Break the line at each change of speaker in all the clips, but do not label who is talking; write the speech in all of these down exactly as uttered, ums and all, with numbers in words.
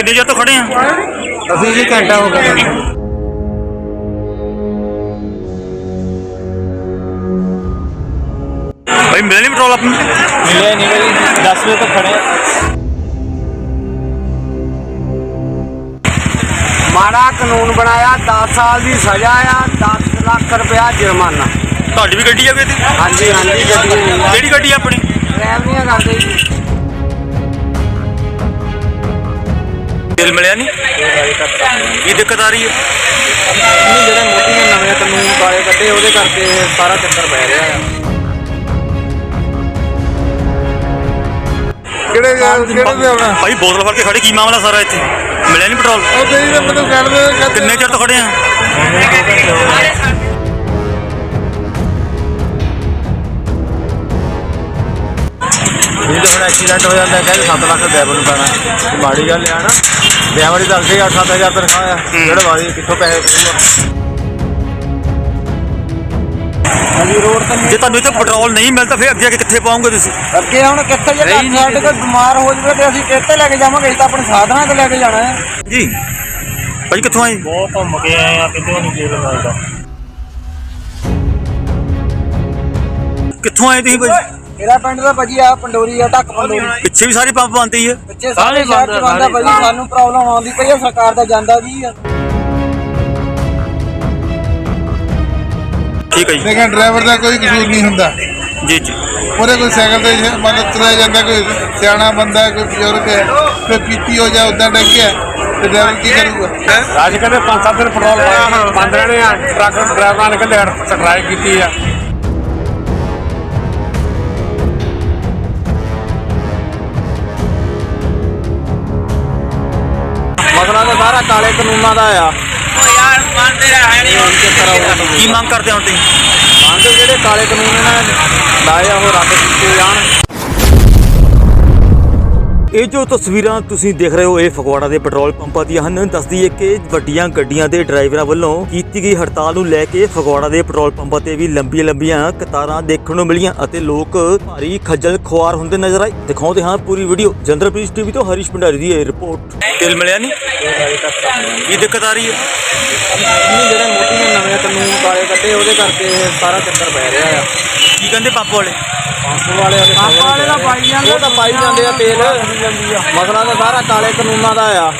ਕਿੰਨੇ ਚਿਰ ਤੋਂ ਖੜੇ ਆ?
ਅਸੀਂ ਜੀ ਘੰਟਾ ਹੋ ਗਿਆ।
ਭਾਈ ਮਿਲਿਆ ਨਹੀਂ ਪੈਟਰੋਲ ਆਪਾਂ ਨੂੰ?
ਮਿਲਿਆ ਨਹੀਂ ਭਾਈ, ਦਸ ਵਜੇ ਤੋਂ ਖੜੇ ਆ। ਮਾੜਾ ਕਾਨੂੰਨ ਬਣਾਇਆ, ਦਸ ਸਾਲ ਦੀ ਸਜ਼ਾ ਆ, ਦਸ ਲੱਖ ਰੁਪਇਆ ਜੁਰਮਾਨਾ।
ਤੁਹਾਡੀ ਵੀ ਗੱਡੀ ਆ ਵੀ ਇੱਥੇ?
ਹਾਂਜੀ ਹਾਂਜੀ ਗੱਡੀ
ਕਿਹੜੀ ਗੱਡੀ ਆ ਆਪਣੀ?
ਡਰਾਈਵਰੀਆਂ ਕਰਦੇ ਜੀ।
ਤੇਲ ਮਿਲਿਆ ਨਹੀਂ? ਕੀ ਦਿੱਕਤ ਆ ਰਹੀ ਹੈ?
ਨਹੀਂ, ਜਿਹੜੇ ਮੋਦੀ ਨੇ ਨਵੇਂ ਕਾਨੂੰਨ ਕਾਲੇ ਕੱਢੇ ਉਹਦੇ ਕਰਕੇ ਸਾਰਾ ਚੱਕਰ ਪੈ ਰਿਹਾ ਆ।
ਕਿਹੜੇ ਕਿਹੜੇ ਦੇ ਆਉਣਾ?
ਭਾਈ ਬੋਤਲ ਫੜ ਕੇ ਖੜੇ, ਕੀ ਮਾਮਲਾ ਸਾਰਾ ਇੱਥੇ? ਮਿਲਿਆ ਨਹੀਂ ਪੈਟਰੋਲ?
ਉਹ ਤੇਰੀ ਤਾਂ ਮੈਨੂੰ ਗੱਲ ਦੇ
ਕਿੰਨੇ ਚਿਰ ਤੋਂ ਖੜੇ ਆ?
ਇਹ ਤਾਂ ਹੁਣ ਐਕਸੀਡੈਂਟ ਹੋ ਜਾਂਦਾ, ਕਹਿੰਦੇ ਸੱਤ ਲੱਖ ਡਰਾਈਵਰ ਨੂੰ ਪੈਣਾ। ਮਾੜੀ ਗੱਲ ਆ ਨਾ, ਡਰਾਈਵਰ ਦੀ ਤਾਂ ਅੱਗੇ ਅੱਠ ਸੱਤ ਹਜ਼ਾਰ ਤਨਖਾਹ ਆ, ਜਿਹੜੇ ਵਾਰੀ ਕਿੱਥੋਂ ਪੈਸੇ ਕਰੂਗਾ। ਹਾਂਜੀ ਰੋਡ ਤੇ
ਜੇ ਤੁਹਾਨੂੰ ਇੱਥੇ ਪੈਟਰੋਲ ਨਹੀਂ ਮਿਲਦਾ ਫਿਰ ਅੱਗੇ ਅੱਗੇ ਕਿੱਥੇ ਪਾਉਂਗੇ ਤੁਸੀਂ?
ਅੱਗੇ ਹੁਣ ਕਿੱਥੇ ਜੇ ਸਾਡੇ ਕੋਲ ਬਿਮਾਰ ਹੋ ਜਾਵੇ ਤੇ ਅਸੀਂ ਕਿੱਥੇ ਲੈ ਕੇ ਜਾਵਾਂਗੇ? ਅਸੀਂ ਤਾਂ ਆਪਣੇ ਸਾਧਨਾਂ ਤੇ ਲੈ ਕੇ ਜਾਣਾ ਹੈ
ਜੀ। ਭਾਈ ਕਿੱਥੋਂ ਆਏ?
ਬਹੁਤ ਘੁੰਮ ਕੇ ਆਏ ਆ, ਕਿਤੇ ਨਹੀਂ ਤੇਲ ਮਿਲਦਾ।
ਕਿੱਥੋਂ ਆਏ ਤੁਸੀਂ ਭਾਈ?
ਮੇਰਾ ਪਿੰਡ ਦਾ ਭਾਜੀ ਆ ਪੰਡੋਰੀ ਆ, ਢੱਕ ਪੰਡੋਰੀ।
ਪਿੱਛੇ ਵੀ ਸਾਰੀ ਪੰਪ ਬੰਦ ਹੀ ਹੈ।
ਬੱਚੇ ਸਾਰੇ ਸ਼ਹਿਰ ਚ ਬੰਦਾ ਭਾਜੀ, ਸਾਨੂੰ ਪ੍ਰੋਬਲਮ ਆਉਂਦੀ ਪਈ ਆ, ਸਰਕਾਰ ਦਾ ਜਾਂਦਾ ਜੀ ਆ।
ਠੀਕ ਹੈ ਜੀ।
ਲੇਕਿਨ ਡਰਾਈਵਰ ਦਾ ਕੋਈ ਕਸੂਰ ਨਹੀਂ ਹੁੰਦਾ।
ਜੀ ਜੀ।
ਉਹਦੇ ਕੋਈ ਸਾਈਕਲ ਤੇ ਮਤਲਬ ਤੁਰਿਆ ਜਾਂਦਾ, ਕੋਈ ਸਿਆਣਾ ਬੰਦਾ, ਕੋਈ ਬਜ਼ੁਰਗ ਹੈ, ਕੋਈ ਪੀਤੀ ਹੋ ਜਾ ਉੱਦਾਂ ਡੱਗਿਆ ਤੇ ਡਰਾਈਵਰ ਕੀ ਕਰੂਗਾ?
ਅੱਜ ਕਹਿੰਦੇ ਪੰਜ ਸੱਤ ਦਿਨ ਪੈਟਰੋਲ ਪਾਇਆ, ਪੰਜ ਜਣੇ ਆ ਟਰੱਕ ਡਰਾਈਵਰਾਂ ਨੇ ਕਹਿੰਦੇ ਸਟ੍ਰਾਈਕ ਕੀਤੀ ਆ।
ਮਸਲਾ ਤਾਂ ਸਾਰਾ ਕਾਲੇ ਕਾਨੂੰਨਾਂ ਦਾ ਆ।
ਕੀ ਮੰਗ ਕਰਦੇ ਹੋ ਤੁਸੀਂ?
ਮੰਗ ਜਿਹੜੇ ਕਾਲੇ ਕਾਨੂੰਨ ਇਹਨਾਂ ਨੇ ਲਾਏ ਆ ਉਹ ਰੱਦ ਕੀਤੇ ਜਾਣ।
ਇਹ ਜੋ ਤਸਵੀਰਾਂ ਤੁਸੀਂ ਦੇਖ ਰਹੇ ਹੋ ਇਹ ਫਗਵਾੜਾ ਦੇ ਪੈਟਰੋਲ ਪੰਪਾਂ ਦੀਆਂ ਹਨ। ਦੱਸਦੀ ਹੈ ਕਿ ਵੱਡੀਆਂ ਗੱਡੀਆਂ ਦੇ ਡਰਾਈਵਰਾਂ ਵੱਲੋਂ ਕੀਤੀ ਗਈ ਹੜਤਾਲ ਨੂੰ ਲੈ ਕੇ ਫਗਵਾੜਾ ਦੇ ਪੈਟਰੋਲ ਪੰਪਾਂ ਤੇ ਵੀ ਲੰਬੀਆਂ ਲੰਬੀਆਂ ਕਤਾਰਾਂ ਦੇਖਣ ਨੂੰ ਮਿਲੀਆਂ ਅਤੇ ਲੋਕ ਭਾਰੀ ਖੱਜਲ ਖੁਆਰ ਹੁੰਦੇ ਨਜ਼ਰ ਆਏ। ਦਿਖਾਉਂਦੇ ਹਾਂ ਪੂਰੀ ਵੀਡੀਓ। ਜੰਦਰਪ੍ਰੀਤ ਟੀਵੀ ਤੋਂ ਹਰੀਸ਼ ਭੰਡਾਰੀ ਦੀ ਇਹ ਰਿਪੋਰਟ। ਤੇਲ ਮਿਲਿਆ ਨਹੀਂ? ਕੀ ਦਿੱਕਤ ਆ ਰਹੀ ਹੈ?
ਨਹੀਂ, ਜਿਹੜੇ ਮੋਦੀ ਨੇ ਨਵੇਂ ਕਾਨੂੰਨ ਕਾਲੇ ਕੱਢੇ ਉਹਦੇ ਕਰਕੇ ਸਾਰਾ ਚੱਕਰ ਪੈ ਰਿਹਾ ਆ।
ਕੀ ਕਹਿੰਦੇ ਪੰਪ ਵਾਲੇ?
ਪੰਪ ਵਾਲੇ ਪੰਪ ਵਾਲੇ ਤਾਂ ਪਾਈ ਜਾਂਦੇ, ਉਹ ਤਾਂ ਪਾਈ ਜਾਂਦੇ ਆ ਤੇਲ। ਮਸਲਾ ਤਾਂ ਸਾਰਾ ਕਾਲੇ ਕਾਨੂੰਨਾਂ ਦਾ ਆ।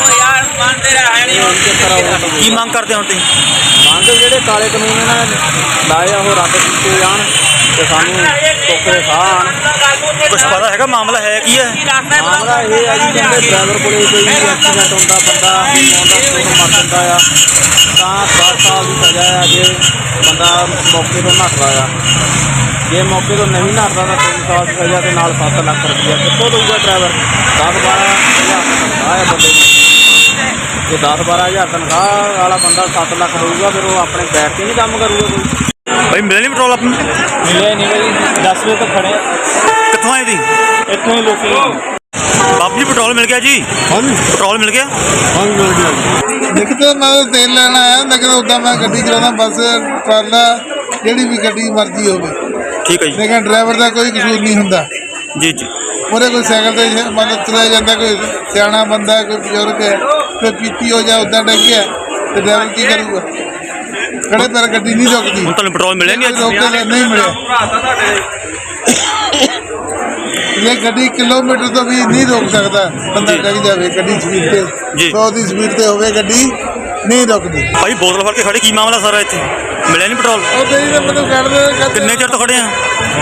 ਕੀ ਮੰਗ ਕਰਦੇ ਹੋ ਤੁਸੀਂ?
ਮੰਗ ਜਿਹੜੇ ਕਾਲੇ ਕਾਨੂੰਨ ਇਹਨਾਂ ਨੇ ਲਾਏ ਆ ਉਹ ਰੱਦ ਕੀਤੇ ਜਾਣ ਤੇ ਸਾਨੂੰ ਟੋਕਰੇ ਸਾਹ ਆਣ।
ਕੁਛ ਪਤਾ ਹੈਗਾ ਮਾਮਲਾ ਹੈ ਕੀ ਹੈ?
ਮਾਮਲਾ ਇਹ ਆ ਜੀ, ਕਹਿੰਦੇ ਡਰਾਈਵਰ ਕੋਲੇ ਕੋਈ ਐਕਸੀਡੈਂਟ ਹੁੰਦਾ, ਬੰਦਾ ਆਉਂਦਾ ਮਰ ਜਾਂਦਾ ਆ ਤਾਂ ਦਸ ਸਾਲ ਦੀ ਸਜ਼ਾ ਆ। ਜੇ ਬੰਦਾ ਮੌਕੇ ਤੋਂ ਨੱਠਦਾ ਆ, ਜੇ ਮੌਕੇ ਤੋਂ ਨਹੀਂ ਨੱਠਦਾ ਤਾਂ ਤਿੰਨ ਸਾਲ ਦੀ ਸਜ਼ਾ ਤੇ ਨਾਲ ਸੱਤ ਲੱਖ ਰੁਪਈਆ ਕਿੱਥੋਂ ਦਊਗਾ ਡਰਾਈਵਰ? ਦਸ ਬਾਰਾਂ ਹਜ਼ਾਰ ਤਨਖਾਹ ਆ ਬੰਦੇ ਦੀ। ਜੇ ਦਸ ਬਾਰਾਂ ਹਜ਼ਾਰ ਤਨਖਾਹ ਵਾਲਾ ਬੰਦਾ ਸੱਤ ਲੱਖ ਦਊਗਾ ਫਿਰ ਉਹ ਆਪਣੇ ਬੈਠ ਕੇ ਨਹੀਂ ਕੰਮ ਕਰੂਗਾ ਕੋਈ।
ਭਾਈ ਮਿਲਿਆ ਨਹੀਂ ਪੈਟਰੋਲ ਆਪਾਂ ਨੂੰ?
ਮਿਲਿਆ ਨਹੀਂ ਭਾਈ, ਦਸ ਵਜੇ ਤੋਂ ਖੜੇ।
ਕਿੱਥੋਂ ਆਏ ਤੁਸੀਂ?
ਇੱਥੋਂ ਹੀ ਲੋਕੀ।
ਬਾਬੂ ਜੀ ਪੈਟਰੋਲ ਮਿਲ ਗਿਆ ਜੀ?
ਹਾਂਜੀ
ਪੈਟਰੋਲ ਮਿਲ ਗਿਆ?
ਹਾਂਜੀ ਮਿਲ ਗਿਆ। ਦੇਖੋ ਮੈਂ ਤੇਲ ਲੈਣ ਆਇਆ, ਲੇਕਿਨ ਉੱਦਾਂ ਮੈਂ ਗੱਡੀ ਚਲਾਉਂਦਾ, ਬੱਸ ਟਰਾਲਾ ਜਿਹੜੀ ਵੀ ਗੱਡੀ ਮਰਜ਼ੀ ਹੋਵੇ।
ਠੀਕ ਹੈ ਜੀ।
ਲੇਕਿਨ ਡਰਾਈਵਰ ਦਾ ਕੋਈ ਕਸੂਰ ਨਹੀਂ ਹੁੰਦਾ।
ਜੀ ਜੀ।
ਉਹਦੇ ਕੋਈ ਸਾਈਕਲ ਤੇ ਮਤਲਬ ਤੁਰਿਆ ਜਾਂਦਾ, ਕੋਈ ਸਿਆਣਾ ਬੰਦਾ, ਕੋਈ ਬਜ਼ੁਰਗ ਹੈ, ਕੋਈ ਪੀਤੀ ਹੋ ਜਾ ਉੱਦਾਂ ਡੱਗਿਆ ਤੇ ਡਰਾਈਵਰ ਕੀ ਕਰੂਗਾ? ਖੜੇ ਪੈਰ ਗੱਡੀ ਨਹੀਂ ਰੁਕਦੀ।
ਹੁਣ ਤੁਹਾਨੂੰ ਪੈਟਰੋਲ ਮਿਲਿਆ ਨਹੀਂ ਅੱਜ?
ਰੋਕ ਕੇ ਨਹੀਂ ਮਿਲਿਆ। ਇਹ ਗੱਡੀ ਕਿਲੋਮੀਟਰ ਤੋਂ ਵੀ ਨਹੀਂ ਰੋਕ ਸਕਦਾ ਬੰਦਾ, ਡੱਗ ਜਾਵੇ ਗੱਡੀ ਸਪੀਡ ਤੇ ਸੌ ਦੀ ਸਪੀਡ ਤੇ ਹੋਵੇ, ਗੱਡੀ ਨਹੀਂ ਰੁਕਦੀ।
ਭਾਈ ਬੋਤਲ ਫੜ ਕੇ ਖੜੇ, ਕੀ ਮਾਮਲਾ ਸਾਰਾ ਇੱਥੇ? ਮਿਲਿਆ ਨਹੀਂ ਪੈਟਰੋਲ?
ਉਹ ਤੇਰੀ ਤਾਂ ਮੈਨੂੰ ਗੱਲ ਦੇ
ਕਿੰਨੇ ਚਿਰ ਤੋਂ ਖੜੇ ਆ?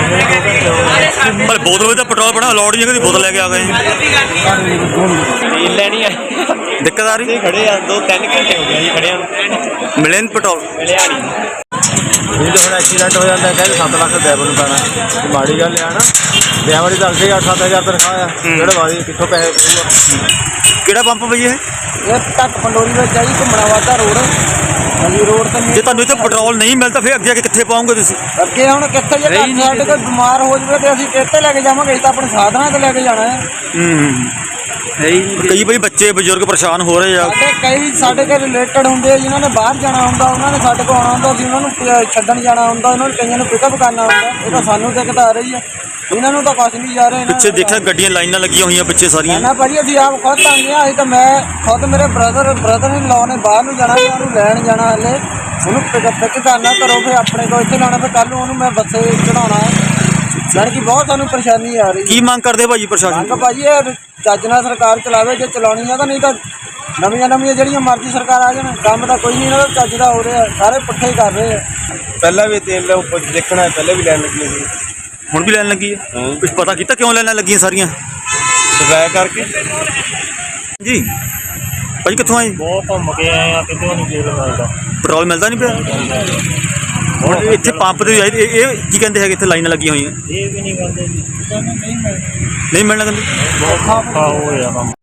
ਪਰ ਬੋਤਲ ਵਿੱਚ ਤਾਂ ਪੈਟਰੋਲ ਬਣਾ ਲੋੜ ਨਹੀਂ, ਕਦੀ ਬੋਤਲ ਲੈ ਕੇ ਆ ਗਏ।
ਤੇਲ ਲੈਣੀ ਆ,
ਦਿੱਕਤ ਆ ਰਹੀ?
ਖੜੇ ਆ ਦੋ ਤਿੰਨ ਘੰਟੇ ਹੋ ਗਏ ਜੀ ਖੜਿਆਂ ਨੂੰ,
ਮਿਲਿਆ ਨਹੀਂ ਪੈਟਰੋਲ?
ਮਿਲਿਆ ਨਹੀਂ। ਇਹ ਤਾਂ ਹੁਣ ਐਕਸੀਡੈਂਟ ਹੋ ਜਾਂਦਾ, ਕਹਿੰਦੇ ਸੱਤ ਲੱਖ ਡਰਾਈਵਰ ਨੂੰ ਪੈਣਾ। ਮਾੜੀ ਗੱਲ ਆ ਨਾ, ਡਰਾਈਵਰ ਦੀ ਤਾਂ ਅੱਗੇ ਅੱਠ ਸੱਤ ਹਜ਼ਾਰ ਤਨਖਾਹ ਆ, ਜਿਹੜੇ ਵਾਰੀ ਕਿੱਥੋਂ ਪੈਸੇ ਕਰੂਗਾ।
ਕਿਹੜਾ ਪੰਪ ਬਈ ਇਹ?
ਇਹ ਢੱਕ ਪੰਡੋਰੀ ਵਿੱਚ ਆ ਜੀ, ਘੁੰਮਣਾ ਵਾਧਾ ਰੋਡ। ਹਾਂਜੀ ਰੋਡ ਤੇ
ਜੇ ਤੁਹਾਨੂੰ ਇੱਥੇ ਪੈਟਰੋਲ ਨਹੀਂ ਮਿਲਦਾ ਫਿਰ ਅੱਗੇ ਅੱਗੇ ਕਿੱਥੇ ਪਾਉਂਗੇ ਤੁਸੀਂ?
ਅੱਗੇ ਹੁਣ ਕਿੱਥੇ ਜੇ ਸਾਡੇ ਕੋਲ ਬਿਮਾਰ ਹੋ ਜਾਵੇ ਤੇ ਅਸੀਂ ਕਿੱਥੇ ਲੈ ਕੇ ਜਾਵਾਂਗੇ? ਅਸੀਂ ਤਾਂ ਆਪਣੇ ਸਾਧਨਾਂ ਤੇ ਲੈ ਕੇ ਜਾਣਾ ਹੈ।
ਹੂੰ
ਹੈ ਹੀ ਨਹੀਂ।
ਕਈ ਬਈ ਬੱਚੇ ਬਜ਼ੁਰਗ ਪਰੇਸ਼ਾਨ ਹੋ ਰਹੇ ਆ।
ਸਾਡੇ ਕਈ ਸਾਡੇ ਘਰ ਰਿਲੇਟਡ ਹੁੰਦੇ ਆ ਜਿਨ੍ਹਾਂ ਨੇ ਬਾਹਰ ਜਾਣਾ ਹੁੰਦਾ, ਉਹਨਾਂ ਨੇ ਸਾਡੇ ਕੋਲ ਆਉਣਾ ਹੁੰਦਾ, ਅਸੀਂ ਉਹਨਾਂ ਨੂੰ ਪ- ਛੱਡਣ ਜਾਣਾ ਹੁੰਦਾ, ਉਹਨਾਂ ਨੂੰ ਕਈਆਂ ਨੂੰ ਪਿਕਅਪ ਕਰਨਾ ਹੁੰਦਾ। ਇਹ ਤਾਂ ਸਾਨੂੰ ਦਿੱਕਤ ਆ ਰਹੀ ਆ, ਇਹਨਾਂ ਨੂੰ ਤਾਂ ਕੁਛ ਨਹੀਂ ਜਾ ਰਿਹਾ। ਇਹਨਾਂ
ਪਿੱਛੇ
ਨੂੰ
ਦੇਖਿਆ ਗੱਡੀਆਂ ਲਾਈਨਾਂ ਲੱਗੀਆਂ ਹੋਈਆਂ ਪਿੱਛੇ ਸਾਰੀਆਂ।
ਨਾ ਭਾਜੀ ਅਸੀਂ ਆਪ ਖੁਦ ਆਉਂਦੇ ਹਾਂ। ਅਸੀਂ ਤਾਂ ਮੈਂ ਖੁਦ ਮੇਰੇ ਬ੍ਰਦਰ ਬ੍ਰਦਰ ਇਨ ਲਾਅ ਨੇ ਬਾਹਰ ਨੂੰ ਜਾਣਾ, ਮੈਂ ਉਹਨੂੰ ਲੈਣ ਜਾਣਾ, ਹਲੇ ਉਹਨੂੰ ਪਿਕਅਪ ਪਿਕ ਕਰਨਾ ਕਰੋ, ਫਿਰ ਆਪਣੇ ਕੋਲ ਇੱਥੇ ਲਾਉਣਾ, ਫਿਰ ਕੱਲ੍ਹ ਨੂੰ ਉਹਨੂੰ ਮੈਂ ਬੱਸੇ ਚੜਾਉਣਾ ਹੈ। ਜਾਣੀ ਕਿ ਬਹੁਤ ਸਾਨੂੰ ਪਰੇਸ਼ਾਨੀ ਆ ਰਹੀ।
ਕੀ ਮੰਗ ਕਰਦੇ ਭਾਜੀ ਪ੍ਰਸ਼ਾਸਨ
ਮੰਗ
ਤੋਂ?
ਭਾਜੀ ਇਹ ਚੱਜ ਨਾਲ ਸਰਕਾਰ ਚਲਾਵੇ ਜੇ ਚਲਾਉਣੀ ਆ ਤਾਂ, ਨਹੀਂ ਤਾਂ ਨਵੀਆਂ ਨਵੀਆਂ ਜਿਹੜੀਆਂ ਮਰਜ਼ੀ ਸਰਕਾਰ ਆ ਜਾਣ, ਕੰਮ ਤਾਂ ਕੋਈ ਨਹੀਂ ਇਹਨਾਂ ਦਾ ਚੱਜ ਦਾ ਹੋ ਰਿਹਾ, ਸਾਰੇ ਪੁੱਠੇ ਹੀ ਕਰ ਰਹੇ ਆ।
ਪਹਿਲਾਂ ਵੀ ਤੇਲ ਉੱਪਰ ਦੇਖਣਾ, ਪਹਿਲਾਂ ਵੀ ਲੈਣ ਲੱਗੀ ਸੀ
ਹੁਣ ਵੀ ਲੈਣ ਲੱਗੀ ਹੈ? ਕੁਝ ਪਤਾ ਕੀਤਾ ਕਿਉਂ ਲੈਣਾ ਲੱਗੀਆਂ ਸਾਰੀਆਂ?
ਸਫਾਇਆ ਕਰਕੇ।
ਜੀ ਭਾਜੀ ਕਿੱਥੋਂ ਆਏ?
ਬਹੁਤ ਘੁੰਮ ਕੇ ਆਏ ਆ, ਕਿਤੇ ਨਹੀਂ ਤੇਲ ਮਿਲਦਾ।
ਪੈਟਰੋਲ ਮਿਲਦਾ ਨਹੀਂ ਪਿਆ? ਹੁਣ ਇੱਥੇ ਪੰਪ ਤੇ ਆਏ, ਇਹ ਇਹ ਕੀ ਕਹਿੰਦੇ ਹੈਗੇ ਇੱਥੇ ਲਾਈਨਾਂ ਲੱਗੀਆਂ ਹੋਈਆਂ?
ਇਹ ਵੀ ਨਹੀਂ ਕਰਦੇ ਜੀ, ਨਹੀਂ ਮਿਲਦਾ।
ਨਹੀਂ ਮਿਲਣਾ ਕਹਿੰਦੇ?
ਬਹੁਤ ਔਖਾ ਹੋਇਆ ਕੰਮ।